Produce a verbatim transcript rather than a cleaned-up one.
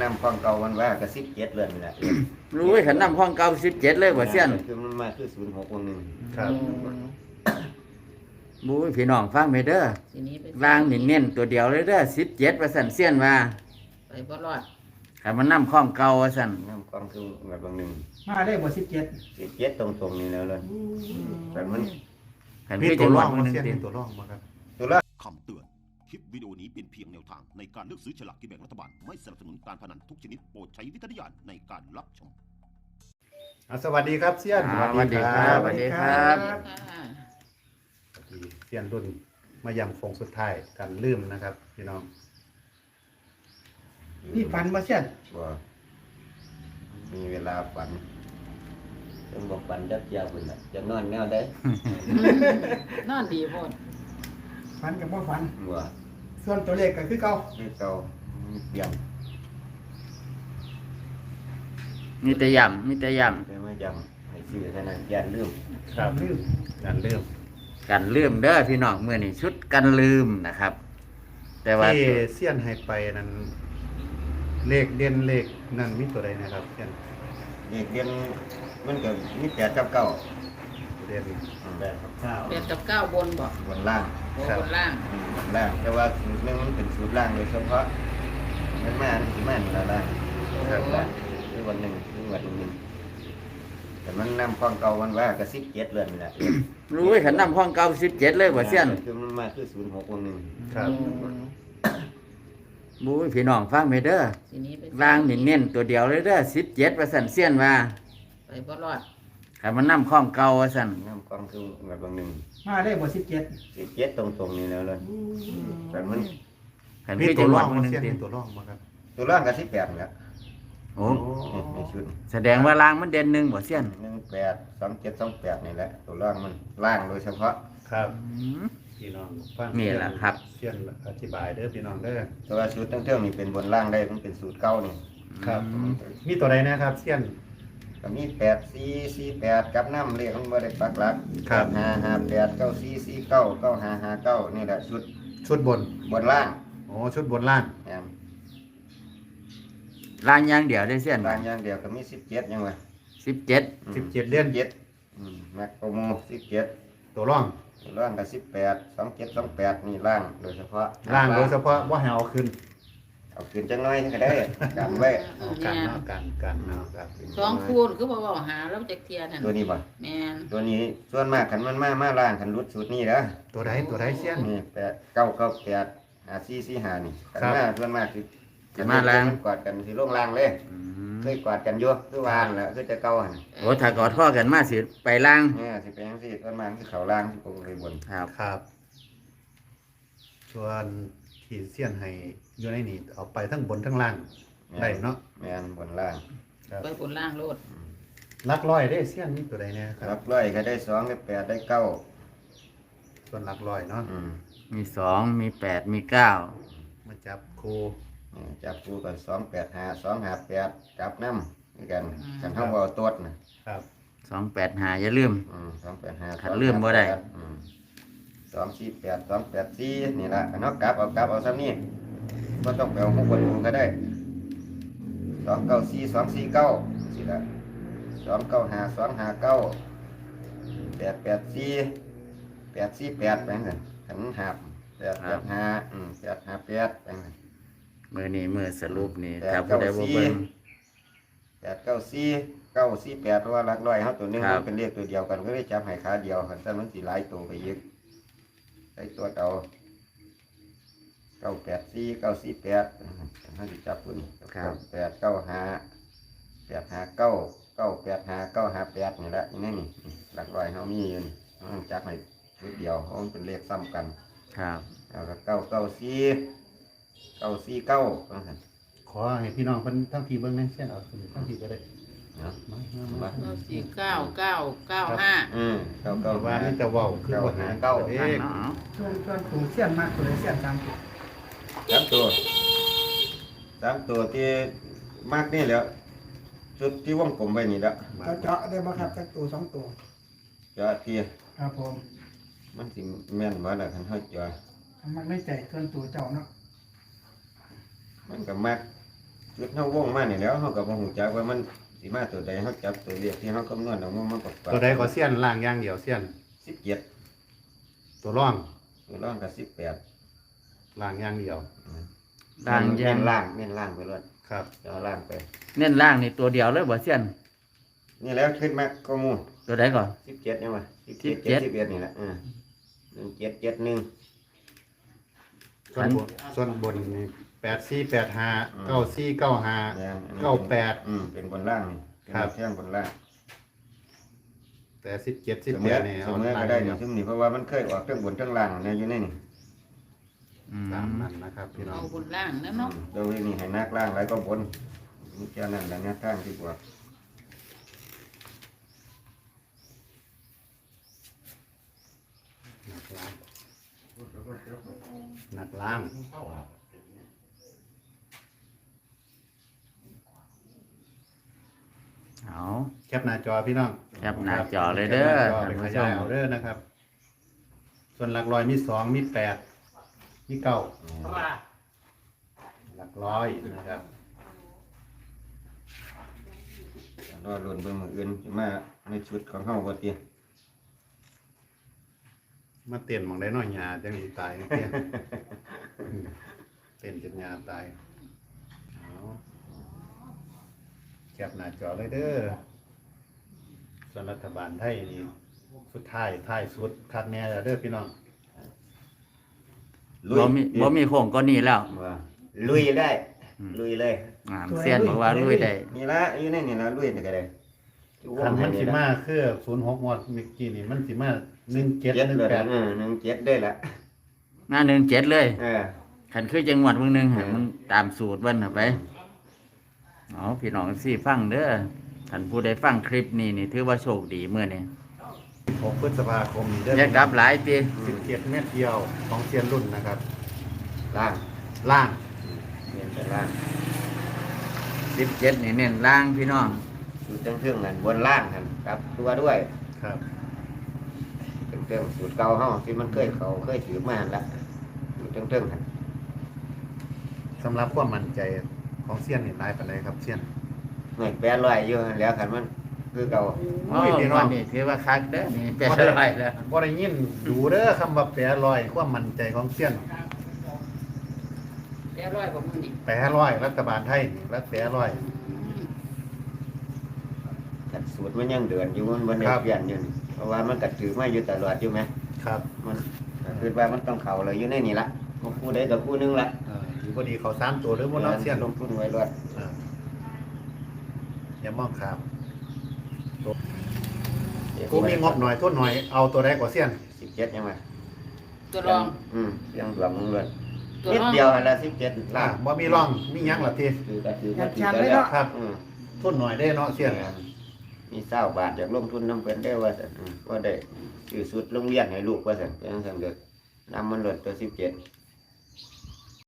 ำความเก่ามันว่ากับสิบเจ็ดเลยนี่แหละรู้ไว้ขันน้ำห้องเก่าสิบเจ็ดเลยบ่เสี้ยนคือมันมาคือศูนย์หกวงหนึ่งครับบู้ยพี่น้องฟังไปเด้อทีนี้ไปล่างนี่เน้นตัวเดียวเลยเด้อสิบเจ็ดว่าสั่นเสี้ยนว่าไปบ่รอดขันมันน้ำห้องเก่าว่าสั่นน้ำความคือแบบบางหนึ่งมาได้บ่สิบเจ็ดสิบเจ็ดตรงๆนี่แล้วเลยแต่มันขันมีพี่ตัจะวหลร่ออก งมันมาหนึ่งเสี้ยนติมีตัวร่องมาครับตัวละคำเตือน คลิปวิดีโอนี้เป็นเพียงแนวทางในการเลือกซื้อฉลากกินแบ่งรัฐบาล ไม่สนับสนุนการพนันทุกชนิดโปรดใช้วิจารณญาณในการรับชมอ่ะสวัสดีครับเสี้ยนอ่าสวัสดีครับสวัสดีครับค่ะเสี้ยนรุ่นมายำฟงสุดท้ายกันลืมนะครับพี่น้องนี่ฝันมาเสียนว่ามีเวลาฝันต้องบอกฝันจับยาวคนละจะนอนแนวได้นอนดีโพดฝันกับบ่ฝันว่าส่วนตัวเลขก็คือเก่าไม่เก่ามีเปลี่ยนมีแต่ย่ำมีแต่ย่แต่ไม่จำให้ชื่อเท่านั้นยันลืมครับลืมกันลืมำกันลืมเด้อพี่น้องเมื่อนี่ชุดกันลืมนะครับ แต่ว่าที่เสี้ยนให้ไปนั้นเลขเด่นเลขนั่นมีตัวใดนะครับเสี้ยนเด็กเรียนมันก็มีแต่จับเก่าตัวเด่นแปดกับเก้าแปดกับเก้าบนบ่บนล่างโอ้บนล่างอืมบนล่างแต่ว่าสูตรหนึงมันเป็นสูตรล่างโดยเฉพาะมันมาอันที่มันละล่างครับล่างคือวันหนึ่งคือวันหนึ่งแต่มันนำความเก่ามันว่ากับสิบเจ็ดเลยนี่แหละรู้ไว้ขันน้ำห้องเก่าสิบเจ็ดเลยบ่เสี้ยนคือมันมาคือศูนย์หกวงหนึ่งครับบู้ยพี่น้องฟังไปเด้อทีนี้ไปล่างนี่เน้นตัวเดียวเลยเด้อสิบเจ็ดว่าสั่นเสี้ยนว่าไปบ่รอดขันมันน้ำห้องเก่าว่าสั่นนำความคือแบบบางหนึ่งมาได้บ่สิบเจ็ดสิบเจ็ดตรงๆนี่แล้วเลยแต่มันขันมีพี่ตัจะวหลร่ออก งมันมาหนึ่งเสี้ยนติมีตัวร่องมาครับตัวล่างกับสิบแปดนี่แหละโอ้ในชุดแสดงว่าล่างมันเด่นหนึ่งบ่เสี้ยนหนึ่งแปดสองเจ็ดสองแปดนี่แหละตัวล่างมันล่างโดยเฉพาะครับอืมพี่น้องฟังนี่แหละครับเสี้ยนอธิบายเด้อพี่น้องเด้อแต่ว่าสูตรตั้งเท่านี่เป็นบนล่างได้มันเป็นสูตรเก้านี่ครับมีตัวใดนะครับเสี้ยนก็มีแปดสี่สี่แปดกับน้ำเลขมันบ่ได้ปักหลักครับห้าห้าแปดเก้าสี่สี่เก้าเก้าห้าห้าเก้านี่แหละชุดชุดบนบนล่างโอ้ชุดบนล่างแอมล่างอย่างเดียวได้เสี้ยนล่างอย่างเดียวก็มีสิบเจ็ดยังไงสิบเจ็ดสิบเจ็ดเดือนเจ็ดนักโปรโมสิบเจ็ดตัวร่องล่างกับสิบแปดสองเจ็ดสองแปดนี่ล่างโดยเฉพาะล่างโดยเฉพาะว่าให้เอาขึ้นเอาขึ้นจังน้อยก็ได้กันไว้เออกันแม่นเนาะกันกันเนาะครับสองคูณคือบ่เว้าหาแล้วจักเทียนั่นตัวนี้บ่แม่นตัวนี้ส่วนมากขันมันมามาล่างขันรุดสูตรนี่นะตัวใดตัวใดเสี้ยนนี่แปดเก้าเก้าแปดหาสี่สี่หานี่ขันครับมาส่วนมากคือจะมาล่างกอดกันสิลงล่างเลยอืมเคยกอดกันอยู่คือวานแหละคือจะเก้าหันโอ้ถ้ากอดข้อกันมาสิไปล่างเนี่ยสิเป็นยังสิส่วนมากคือเขาล่างที่ปกติบนครับครับ ส่วนที่เสี้ยนให้อยู่ในนี่เอาไปทั้งบนทั้งล่างได้เนาะแม่นบนล่างครับไปบนล่างโลดลักร้อยได้เสี้ยนนี่ตัวใดเนี่ยครัรับบ ร้อยก็ได้สองได้แปดได้เก้าส่วนลักร้อยเนาะอืมมีสองมีแปดมีเก้ามาจับครูนี่จับคู่กันสองแปดหาสองหาแปดจับน้ำด้วยกันกันเท่าเอาตัวนะครับสองแปดหาอย่าลืมอืมสองแปดหาขัดลืมบ่ได้อืมสองสี่แปดสองแปดสี่นี่ละเนาะกลับเอากลับเอาซ้ำนี่ก็ต้องไปเอาของคนดูก็ได้สองเก้าสี่สองสี่เก้าสิละสองเก้าหาสองหาเก้าแปดแปดสี่แปดสี่แปดไปกันขันหาบแปดแปดหาอืมแปดหาแปดไปกันมือนี้มือสรุปนี่แปดถ้าผู้ใดบ่เก้าสี่เบิ่งแปดเก้าสี่เก้าสี่แปดเพราะว่าหลักร้อยเขาตัวหนึงครับมันเป็นเลขตัวเดียวกันก็ได้จับให้ขาเดียวคันถ้ามันสีหลายตัวไปยึดใส่ตัวเอาเก้าแปดสี่เก้าสี่แปดเขาจะจับตัวนี้เก้าแปดเก้าห้าแปดห้าเก้าเก้าแปดห้าเก้าห้าแปดนี่แหละนี่นี่นี่หลักร้อยเขามีอยู่นี่เขาจับให้ชุดเดียวเขาเป็นเลขซ้ำกันครับแล้วก็เก้าเก้าสี่เก้าสี่เก้าขอให้พี่น้องเพิ่นทั้งทีเบิ่งนะเสี้ยนเอาขึ้นทั้งทีก็ได้เนาะมามามาเก้าสี่เก้าเก้าเก้าห้าอืมเก้าก็เก้าว่าห้านี่จะเว้าคือบ่หาเก้าเด้นั่นเนาะส่วนส่วนตัวเสียนมากตัวเลยเสียนตามตัวสามตัวสามตัวที่มากนี่แหล้วชุดที่วงกลมไว้นี่แหละเจาะเจาะได้บ่ครับจักตัวสองตัวจะเทียครับผมมันสิแม่นว่าละคันเฮาจะมันไม่ใจส่วนตัวเจ้าเนาะมันก็มักชุดเฮาวงมานี่แล้วเฮาก็บ่ฮู้จักว่ามันสิมาตัวใดเฮาจับตัวเลขที่เฮาคำนวณออกมามันประกอบตัวใดก็เสี้ยนล่างอย่างเดียวเสี้ยนสิบเจ็ดตัวร่องตัวร่องก็สิบแปดล่างอย่างเดียวล่างแยเน้งนล่างเน้นล่างไปเลยครับเอาล่างไปเน้นล่างนี่ตัวเดียวเลยบ่เสี้ยนนี่แล้วขึ้นมาก็มูลตัวใดก่อนสิบเจ็ดยังไงสิบสิเจ็ดบเจ็เจ็ดดสิบเอ็ดนี่แหละอ่าหนึ่งเจ็ดเจ็ดหนึ่งส่วนบนส่วนบนนี่แปดสี่แปดห้าอืมเก้าสี่เก้าห้าแม่นอันนี้เก้าแปดอืมเป็นบนล่างนี่เป็นครับเที่ยงบนล่างแต่สิบเจ็ดสิบเสมแปอดนี่เสเอามอล่าก็งได้เดีนี่ยวซึ่งนี่เพราะว่ามันเคยออกทั้งบนทั้งล่างเนี่ยอยู่ในนี่อืมตามนั้นนะครับพี่น้อเอางบนล่างนะอืเนาะมโดยนี่ให้นักล่างไรก็บนนี่แค่นั้นแหละเนี่ยทางที่บวกหนักล่างเอาแคปหน้าจอพี่น้องแคปหน้าจอเลยเด้อแคปหน้าจอไปขยายเอาเด้อนะครับ ส่วนหลักร้อยมีสองมีแปดมีเก้าหลักร้อยนะครับรอรุ่นเบิ่งมืออื่นสิมาในชุดของเฮาบ่ติมาเต้นหมองได้น้อยหยาจังสิตายนะเตี้ย เต้นจนหยาตายเอาแคปหน้าจอเลยเด้อส่วนรัฐบาลไทยนี่สุดท้ายท้ายสุดคัดแน่แล้วเด้อพี่น้องบ่มีบ่มีโค้งก็นี่แล้วว่าลุยได้อืมลุยเลยอ่าเสี้ยนบอกว่าลุยได้นี่ละอยู่ในนี่ละลุยนี่ก็ได้คันมันสิมาคือศูนย์หกงวดเมื่อกี้นี่มันสิมาหนึ่งเจ็ดเจ็ดหนึ่งเลยแปดเออหนึ่งเจ็ดได้ละหน้าหนึ่งเจ็ดเลยเออขันคือจังหวัดเมืองหนึงให้มันตามสูตรเบิ่นน่ะไปเอาพี่น้องสิฟังเด้อท่านผู้ใดฟังคลิปนี้นี่ถือว่าโชคดีมื้อนี้หกพฤษภาคมนี้เด้ออย่ากลับหลายติสิบเจ็ดเม็ดเดียวของเซียนรุ่นนะครับล่างล่างเรียนแต่ล่างสิบเจ็ดนี่เน้นล่างพี่น้องสูตรเครื่องๆนั่นบนล่างกันกลับตัวด้วยครับเครื่องๆสูตรเก่าเฮาที่มันเคยเขาเคยถือมาหั่นละสูตรเครื่องๆนั่นสำหรับความมั่นใจของเซียนนี่หลายปานใดครับเซียนไม่แปดร้อยอยู่หั่นแล้วคันมันคือเก่าโอ้ยวันนี้ถือว่าคักเด้อนี่แปดร้อยแล้วบ่ได้ยินดูเด้อคำว่าแปรร้อยความมั่นใจของเซียนแปดร้อยกว่ามื้อนี่แปรร้อยรัฐบาลไทยนี่รัฐแปรร้อยแต่สูตรมันยังเดือนอยู่มันบ่ได้ครับเปลี่ยนอยู่นี่เพราะว่ามันก็ถือมาอยู่ตลอดอยู่ไหมครับมันก็คือว่ามันต้องเข้าเลยอยู่ในนี่ละบ่คู่ใดกับคู่หนึงละเออถือบ่ดีเขาสามตัวหรือบ่เนาะเซียนลงทุนไว้รวดเอออย่ามองข้ามกูมีงบหน่อยทุนหน่อยเอาตัวใดกว่าเซียนสิบเจ็ดยังไงตัวรองอืมยังดวงมึงเลยตัวนิดรองเดียวหั่นละสิบเจ็ดล่าล้านบ่มีร่องมีหยังล่ะทีคือก็ถืออยาว่าก ถือชันได้เลยแล้วเนาะครับอืมทุนหน่อยได้เนาะเซียนมีเศร้าบาทอยากลงทุนน้ำเพิ่นได้ว่าซั่นอืมก็ได้ซื้อสุดโรงเรียนให้ลูกว่าซั่นเป็นจังซั่นก็นำมันลดตัวสิบเจ็ด